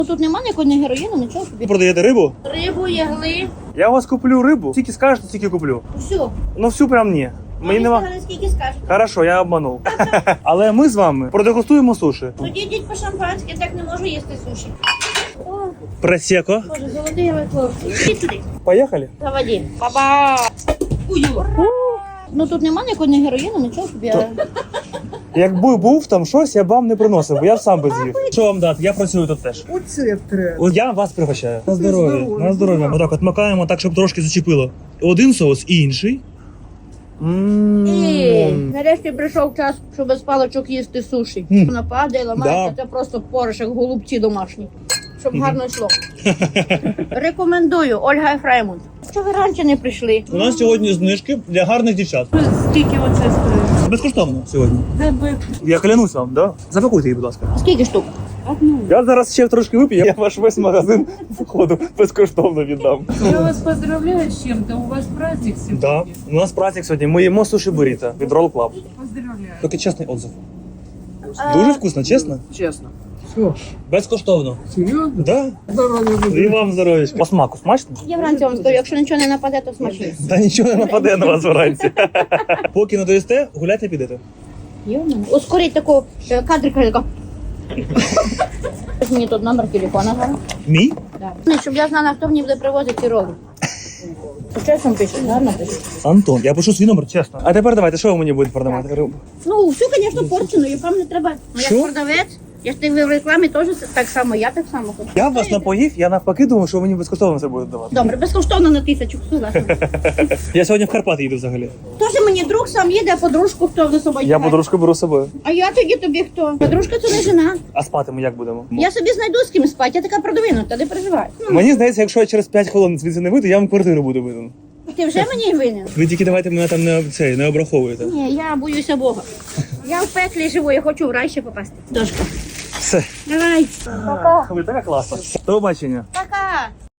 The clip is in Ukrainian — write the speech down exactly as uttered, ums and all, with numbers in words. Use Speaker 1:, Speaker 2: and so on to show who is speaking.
Speaker 1: Тут немає ніякого ні героїну, нічого собі.
Speaker 2: Продаєте рибу?
Speaker 1: Рибу, ягли.
Speaker 2: Я у вас куплю рибу. Скільки скажете, стільки куплю.
Speaker 1: Все.
Speaker 2: Ну всю прям ні. Мені нема.
Speaker 1: Скільки скажете.
Speaker 2: Хорошо, я обманув. Але ми з вами продегустуємо суші.
Speaker 1: Тоді йдіть по шампанськи, так не можу їсти суші. О,
Speaker 2: Просеко.
Speaker 1: Боже, золотий ви хлопці. Ідіть сюди.
Speaker 2: Поїхали.
Speaker 1: Заводі. Баба. Ну тут немає ніякого ні героїну, нічого собі.
Speaker 2: Якби був там щось, я б вам не приносив, бо я б сам би з'їв. Що вам дати? Я працюю тут теж.
Speaker 3: Оце треба.
Speaker 2: От я вас пригощаю. На здоров'я.
Speaker 3: здоров'я.
Speaker 2: На здоров'я. Отак от макаємо так, щоб трошки зачепило. Один соус і інший.
Speaker 1: І
Speaker 2: Ммм.
Speaker 1: нарешті прийшов час, щоб без паличок їсти суші.
Speaker 2: Мгм.
Speaker 1: Вона падає, ламається,
Speaker 2: Да.
Speaker 1: це просто порошок, голубці домашні. Щоб гарно йшло. Рекомендую, Ольга Ефремовна. Що ви раніше не прийшли?
Speaker 2: У нас сьогодні знижки для гарних дівчат.
Speaker 4: Скільки оце стоїть?
Speaker 2: Безкоштовно сьогодні.
Speaker 4: Тебе
Speaker 2: Я клянусь вам, да? Запакуйте її, будь ласка.
Speaker 1: Скільки штук?
Speaker 4: одну.
Speaker 2: Я зараз ще трошки вип'ю, я ваш весь магазин входу безкоштовно віддам.
Speaker 4: Я вас поздравляю с чем-то. У вас праздник сегодня.
Speaker 2: Да, у нас праздник сьогодні. Ми їмо суші буріто від Roll Club.
Speaker 4: Поздравляю.
Speaker 2: Тільки чесний отзыв. Дуже вкусно, чесно?
Speaker 3: Чесно. Що?
Speaker 2: Безкоштовно.
Speaker 3: Серйозно?
Speaker 2: Да.
Speaker 3: Здоров'я
Speaker 2: І
Speaker 3: буде.
Speaker 2: вам здоров'ячка. По смаку смачно?
Speaker 1: Я вранці вам скажу, якщо нічого не нападе, то смачно.
Speaker 2: Та нічого не нападе на вас вранці. Поки не доїсте, гуляйте підете.
Speaker 1: Йо-моє. Ускоріть таку е, кадрика, така. Мені тут номер телефона зараз.
Speaker 2: Мій?
Speaker 1: Да. Щоб я знала, хто мені буде привозити ці роли. Чесно пише, гарно пише.
Speaker 2: Антон, я пишу свій номер, чесно. А тепер давайте, що ви мені будете продавати? Рибу?
Speaker 1: Ну, всю, звісно, порчену, і вам не треба. Ну,
Speaker 2: Що?
Speaker 1: як продавець, я ж ти в рекламі теж так само, я так само хочу.
Speaker 2: Я вас напоїв, я навпаки думав, що ви мені безкоштовно це будете давати.
Speaker 1: Добре, безкоштовно на тисячу, согласна.
Speaker 2: Я сьогодні в Карпати їду взагалі.
Speaker 1: Тож мені друг сам їде, а подружку хто за собою?
Speaker 2: Я
Speaker 1: тягне?
Speaker 2: подружку беру з собою.
Speaker 1: А я тоді тобі хто? Подружка це не жена.
Speaker 2: А спати ми як будемо?
Speaker 1: Я собі знайду з ким спати, я така продвинута, не переживай. Ну,
Speaker 2: Мені здається, якщо я через п'ять хвилин звідси не вийду, я вам квартиру буду видати.
Speaker 1: ти вже мені винен?
Speaker 2: Ви тільки давайте мене там не, цей, не обраховуєте.
Speaker 1: Ні, я боюся Бога. Я в пеклі живу, я хочу в рай ще попасти. Дошка.
Speaker 2: Все.
Speaker 1: Давай. Пока.
Speaker 2: Ви така класна. До побачення.
Speaker 1: Пока.